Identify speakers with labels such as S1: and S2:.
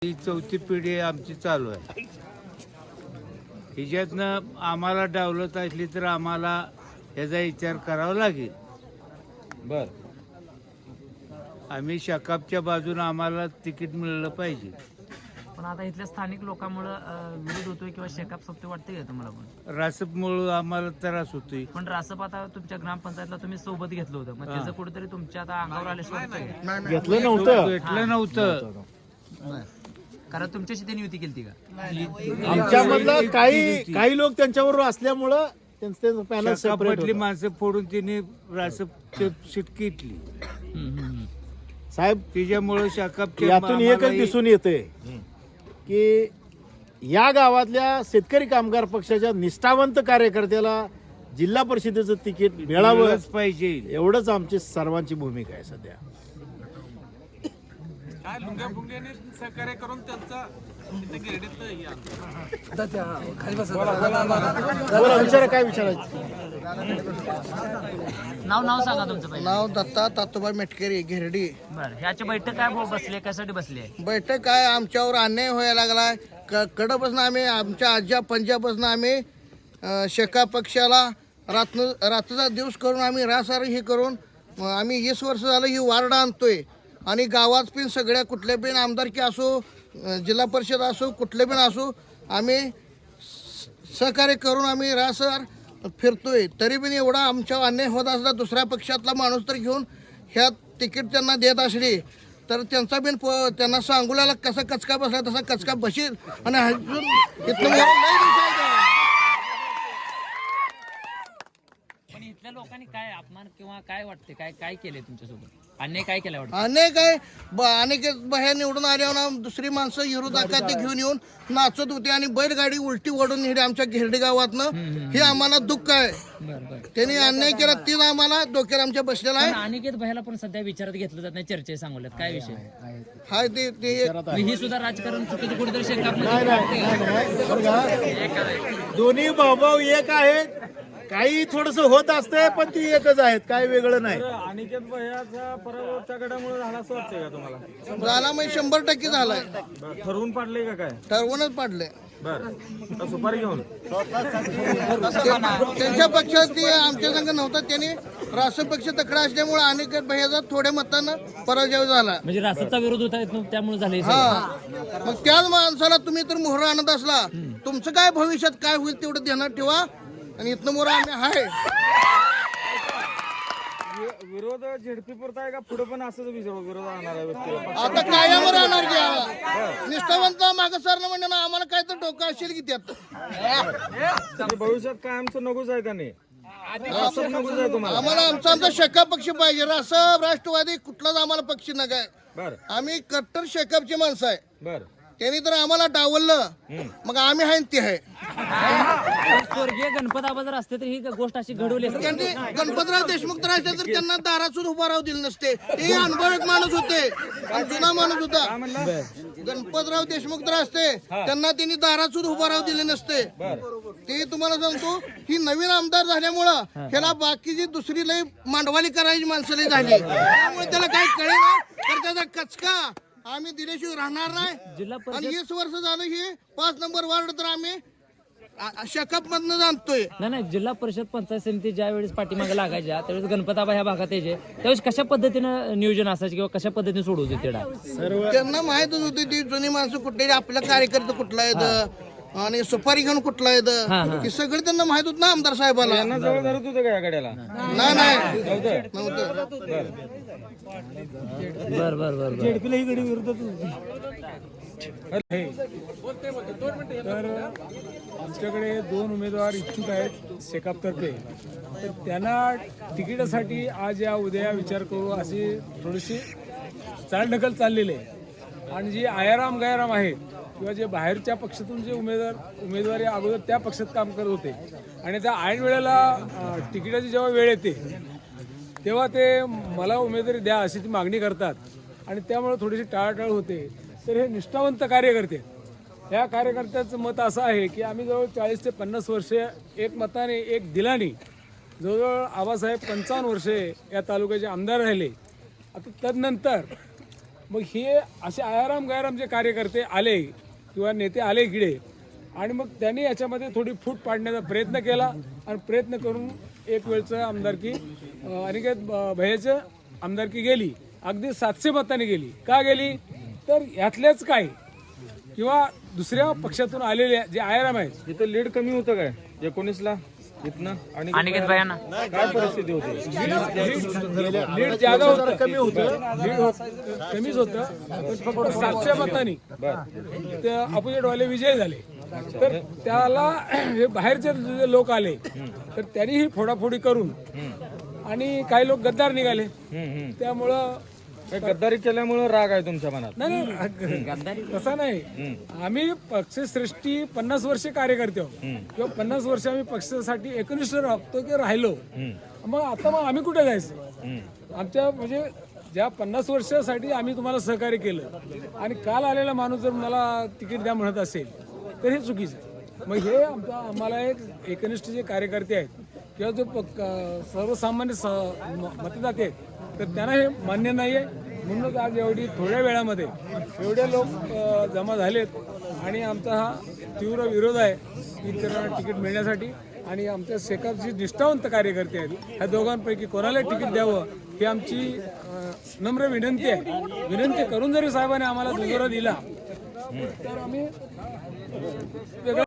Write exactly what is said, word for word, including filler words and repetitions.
S1: ही चौथी पिढी आमची चालू आहे. हिच्यातनं आम्हाला डावलत असली तर आम्हाला याचा विचार करावा लागेल.
S2: बर
S1: आम्ही शकापच्या बाजूने आम्हाला तिकीट मिळलं पाहिजे.
S3: पण आता इथल्या स्थानिक लोकांमुळे विरोध होतोय किंवा शेकाप सोपते वाटते का तुम्हाला? पण
S1: रासपमुळं आम्हाला त्रास होतोय.
S3: पण रासप आता तुमच्या ग्रामपंचायतला तुम्ही सोबत घेतलं होतं, मग त्याचं कुठेतरी तुमच्या आता अंगावर आल्याशिवाय
S4: घेतलं नव्हतं.
S1: भेटलं नव्हतं.
S3: कारण तुमच्याशी त्यांनी युती केली का?
S4: आमच्यामधलं काही काही लोक त्यांच्यावर असल्यामुळं त्यांचं त्यांचं पॅनल सेपरेट
S1: शकापमधली माणसं फोडून तिने रासप सीट घेतली.
S4: साहेब.
S1: तिच्यामुळं शकापच्या
S4: यातून एकच
S1: आम्हालाही-
S4: दिसून येते की या गावातल्या शेतकरी कामगार पक्षाच्या निष्ठावंत कार्यकर्त्याला जिल्हा परिषदेचं तिकीट मिळावं
S1: मिळालंच पाहिजे.
S4: एवढंच आमची सर्वांची भूमिका आहे सध्या.
S5: काय लुंग्या फुंग्याने सहकार्य करून त्यांचा
S4: बोला, विचारा काय विचारायचं.
S3: नाव नाव सांगा तुमचं पहिलं.
S6: नाव दत्ता तातोबा मेटकरी घेरडी.
S3: बरं, ह्याची बैठक काय भाऊ बसली आहे, कशासाठी बसली आहे?
S6: बैठक काय आमच्यावर अन्याय व्हायला लागलाय. क कडपासून आम्ही आमच्या आज्या पंजाबपासून आम्ही अं, शेका पक्षाला रात्र रात्रीचा दिवस करून आम्ही रासार हे करून अं, आम्ही वीस वर्ष झालं ही वार्ड आणतोय. आणि गावात पण सगळ्या कुठल्या पण आमदारकी असो, अं, जिल्हा परिषद असो, कुठले पण असो, आम्ही स- सहकार्य करून आम्ही रासार फिरतोय. तरी पण एवढा आमच्या अन्याय होत असला दुसऱ्या पक्षातला माणूस तर घेऊन ह्या तिकीट त्यांना देत असली तर त्यांचा बिन प त्यांना सांगुल्याला कसा कचका बसला तसा कचका बसेल. आणि अजून इथनं वर नाही दिसायचं.
S3: पण इथल्या लोकांनी काय अपमान किंवा काय वाटते, काय काय केले तुमच्यासोबत, अन्याय काय केला वाटतं?
S6: अनेक आहे ब अनेक बाहेर निवडून आल्यावर ना दुसरी माणसं विरोधात ते घेऊन येऊन नाचत होते आणि बैलगाडी उलटी ओढून नेली आमच्या घेरडी गावातनं. हे आम्हाला दुःख आहे.
S3: बरं बरं.
S6: त्यांनी अन्याय केला तीच आम्हाला डोक्यात आमच्या बसलेला आहे.
S3: पण अनिकेत भैयाला पण सध्या विचारात घेतलं जात नाही, चर्चे सांगल्यात काय विषय?
S6: हाय ते ते
S3: मग ही सुद्धा राजकारण चुकीचं कुठेतरी शेकाप
S4: नाही, नाही, नाही, नाही. बघा, दोन्ही भाऊभाऊ एक आहेत. काही थोडस होत असतंय पण ती एकच आहेत, काय वेगळं नाही.
S5: अनिकेत भैयाचा पराभव त्या गटामुळे झाला असं वाटतंय का तुम्हाला?
S6: झाला म्हणजे शंभर टक्के झालाय.
S5: बरं, ठरवून पाडले का काय?
S6: ठरवूनच पाडलंय.
S5: बर सुपारी घेऊन
S6: त्यांच्या पक्षात ते आमच्या संघ नव्हता. त्यांनी राष्ट्र पक्ष तकडा असल्यामुळे अनेक भैयाचा थोड्या मतानं पराजय झाला.
S3: म्हणजे रासपचा विरोध होता त्यामुळे झाले.
S6: हा, मग त्याच माणसाला तुम्ही तर मोहरा आणत असला, तुमचं काय भविष्यात काय होईल तेवढं ध्यानात ठेवा. आणि इथनं मोहरा आम्ही आहे.
S5: विरोध झेडपी पुरता आहे का पुढे पण असंच विरोध राहणार आहे व्यक्तीला?
S6: आता कायम राहणार घ्या निष्ठावंत माग सरणं म्हणजे ना आम्हाला काय तर डोकं असेल की त्यात.
S5: म्हणजे भविष्यात काय आमचं नकोच आहे का नाही? असं नकोच आहे तुम्हाला?
S6: आम्हाला आमचा आमचा शेका पक्ष पाहिजे. रासप राष्ट्रवादी कुठलाच आम्हाला पक्ष नका.
S5: बर
S6: आम्ही कट्टर शेकापची माणसं आहे.
S5: बर
S6: त्यांनी तर आम्हाला डावललं मग आम्ही आहे ते आहे.
S3: स्वर्गीय गणपत आबा जर असते तर ही गोष्ट अशी घडवली असती.
S6: त्यांनी गणपतराव देशमुख तर असते तर त्यांना दारात सुद्धा उभा राहू दिले नसते. ते अनुभवी माणूस होते आणि जुना माणूस होता. गणपतराव देशमुख तर असते त्यांना त्यांनी दारात सुद्धा उभा राहू दिले नसते. ते तुम्हाला सांगतो ही नवीन आमदार झाल्यामुळं ह्याला बाकीची दुसरी लई मांडवाली करायची माणसं लई झाली. त्यामुळे त्याला काही कळेना तर त्याचा कचका आम्ही दिल्याशिवाय राहणार नाही.
S3: जिल्हा
S6: आणि वीस वर्ष झालं हे पाच नंबर वार्ड तर आम्ही शेकाप मधनं जाणतोय.
S3: नाही नाही, जिल्हा परिषद पंचायत समिती ज्या वेळेस पाठीमागे लागायच्या त्यावेळेस गणपताबा ह्या भागात यायचे त्यावेळेस कशा पद्धतीनं नियोजन असायचे किंवा कशा पद्धतीने सोडवते तेढा?
S6: त्यांना माहितच होती ती जुनी माणसं कुठले आपल्या कार्यकर्ते कुठला आहेत आणि सुपारी घेऊन कुठला आहेत हे सगळे त्यांना माहित होत ना आमदार साहेबाला.
S5: त्यांना जवळ धरत होतं का या गाड्याला?
S6: नाही नाही नव्हतं.
S3: बर बर बर
S5: झेडपीला ही गडी विरोधात
S7: तर आमच्याकडे दोन उमेदवार इच्छुक आहेत शेकापतर्फे. तर त्यांना तिकिटासाठी आज या उद्या विचार करू अशी थोडीशी चालढकल चाललेली आहे. आणि जी आयाराम गायाराम आहेत किंवा जे बाहेरच्या पक्षातून जे उमेदवार उमेदवारी अगोदर त्या पक्षात काम करत होते आणि त्या ऐन वेळेला तिकिटाची जेव्हा वेळ येते तेव्हा ते मला उमेदवारी द्या अशी ती मागणी करतात आणि त्यामुळे थोडीशी टाळाटाळ होते. तर हे निष्ठावंत कार्यकर्ते, या कार्यकर्त्याचं मत असं आहे की आम्ही जवळ चाळीस ते पन्नास वर्षे एक मताने एक दिलाने जवळजवळ आबासाहेब पंचावन्न वर्षे या तालुक्याचे आमदार राहिले. आता तदनंतर मग हे असे आयाराम गायराम जे कार्यकर्ते आले किंवा नेते आले इकडे आणि मग त्यांनी याच्यामध्ये थोडी फूट पाडण्याचा प्रयत्न केला आणि प्रयत्न करून एक वेळचं आमदारकी अं, अनिकेत अं, भैयाचं आमदारकी गेली, अगदी सातशे मतांनी गेली. का गेली तर यातलेच काय किंवा दुसऱ्या पक्षातून आलेले जे आयाराम आहेत
S5: इथं लीड कमी होतं काय एकोणीसला इथनं आणि
S3: अनिकेत भैयांना
S5: काय परिस्थिती होती?
S7: लीड जागा होतं, कमी होतं, लीड होत कमीच होतं, पण फक्त सातशे मतांनी ते अपोजिट वाले विजय झाले. तर त्याला हे बाहेरचे जे लोक आले तर त्यांनी ही फोडाफोडी करून आणि काही लोक गद्दार निघाले. त्यामुळं
S5: हे गद्दारी केल्यामुळे राग आहे तुमच्या मनात?
S7: नाही नाही तसा नाही. आम्ही पक्षश्रेष्ठी पन्नास वर्ष कार्यकर्ते आहोत किंवा पन्नास वर्ष आम्ही पक्षासाठी एकनिष्ठ राहतो की राहिलो. मग आता मग आम्ही कुठे जायचं? आमच्या म्हणजे ज्या पन्नास वर्षासाठी आम्ही तुम्हाला सहकार्य केलं आणि काल आलेला माणूस जर मला तिकीट द्या म्हणत असेल तर हे चुकीचं आहे. मग हे आमचा आम्हाला एक एकनिष्ठ जे कार्यकर्ते आहेत किंवा जो प- सर्वसामान्य स म- मतदाते आहेत तर त्यांना हे मान्य नाही आहे. म्हणूनच आज एवढी थोड्या वेळामध्ये एवढे लोक अ, जमा झालेत आणि आमचा हा तीव्र विरोध आहे इतरांना तिकीट मिळण्यासाठी. आणि आमच्या शेकापची निष्ठावंत कार्यकर्ते आहेत, ह्या दोघांपैकी कोणाला तिकीट द्यावं ही आमची अ, नम्र विनंती आहे. विनंती करून जरी साहेबांनी आम्हाला दुजोरा दिला तर आम्ही वेगळं